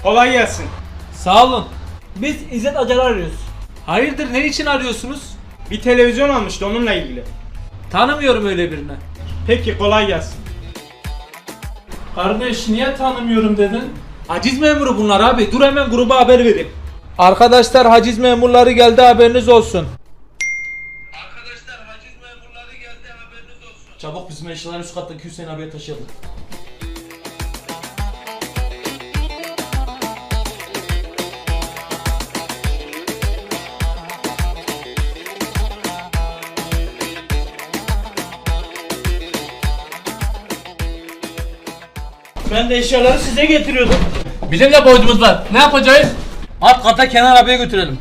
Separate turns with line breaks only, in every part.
Kolay gelsin.
Sağ olun.
Biz İzzet Acar'ı arıyoruz.
Hayırdır, ne için arıyorsunuz?
Bir televizyon almıştı, onunla ilgili.
Tanımıyorum öyle birini.
Peki, kolay gelsin.
Kardeş, niye tanımıyorum dedin? Haciz memuru bunlar abi. Dur hemen gruba haber vereyim. Arkadaşlar, haciz memurları geldi, haberiniz olsun.
Çabuk bizim eşyaları üst kattaki Hüseyin abiye taşıyalım.
Ben de eşyaları size getiriyordum.
Bizim de borcumuz var. Ne yapacağız? Alt kata Kenan abiye götürelim.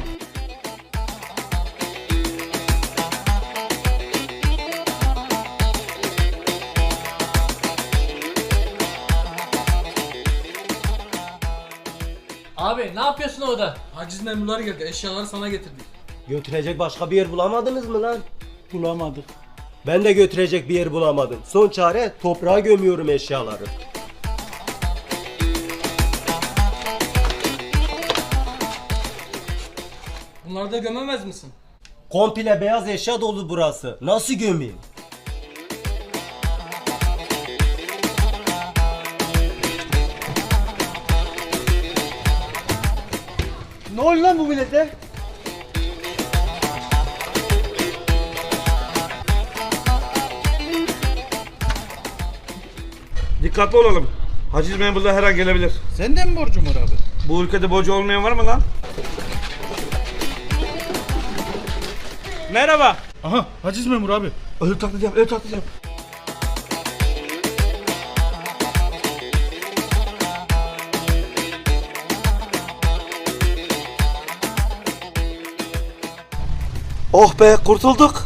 Abi ne yapıyorsun orada? Haciz memurları geldi. Eşyaları sana getirdik.
Götürecek başka bir yer bulamadınız mı lan?
Bulamadık.
Ben de götürecek bir yer bulamadım. Son çare toprağa gömüyorum eşyaları.
Bunları da gömemez misin?
Komple beyaz eşya dolu burası. Nasıl gömeyim?
Ne oldu lan bu millete?
Dikkatli olalım. Haciz memurları her an gelebilir.
Sende mi borcum var abi?
Bu ülkede borcu olmayan var mı lan?
Merhaba.
Aha haciz memuru abi.
Ölü taklayacağım, ölü taklayacağım.
Oh be, kurtulduk.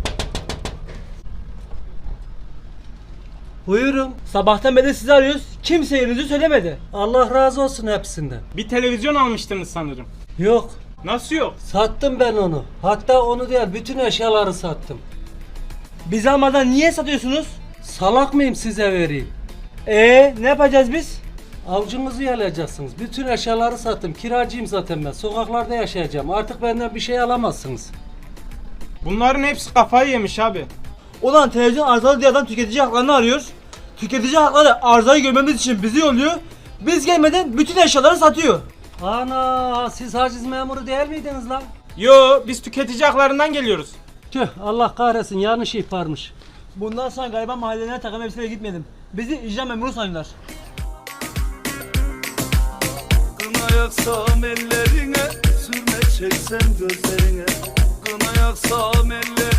Buyurun. Sabahtan beri sizi arıyoruz. Kimse yerinizi söylemedi.
Allah razı olsun hepsinden.
Bir televizyon almıştınız sanırım.
Yok,
Nasıl yok?
sattım ben onu. Hatta onu değil, bütün eşyaları sattım.
Bizi almadan niye satıyorsunuz?
Salak mıyım size vereyim?
Ne yapacağız biz?
Avcınızı yalayacaksınız. Bütün eşyaları sattım. Kiracıyım zaten ben. Sokaklarda yaşayacağım. Artık benden bir şey alamazsınız.
Bunların hepsi kafayı yemiş abi.
Ulan televizyon arızalı diye adam tüketici haklarını arıyoruz. Tüketici hakları arızayı görmemiz için bizi yolluyor. Biz gelmeden bütün eşyaları satıyor.
Ana, siz haciz memuru değil miydiniz lan?
Yo, biz tüketici haklarından geliyoruz.
Tüh, Allah kahretsin, yanlış ihbarmış.
Bundan sonra galiba mahallelerine takım elbiseyle gitmeyelim. Bizi icra memuru sanıyorlar.
Kına yaksam ellerine, sürme çeksem gözlerine. Kına yaksam ellerine,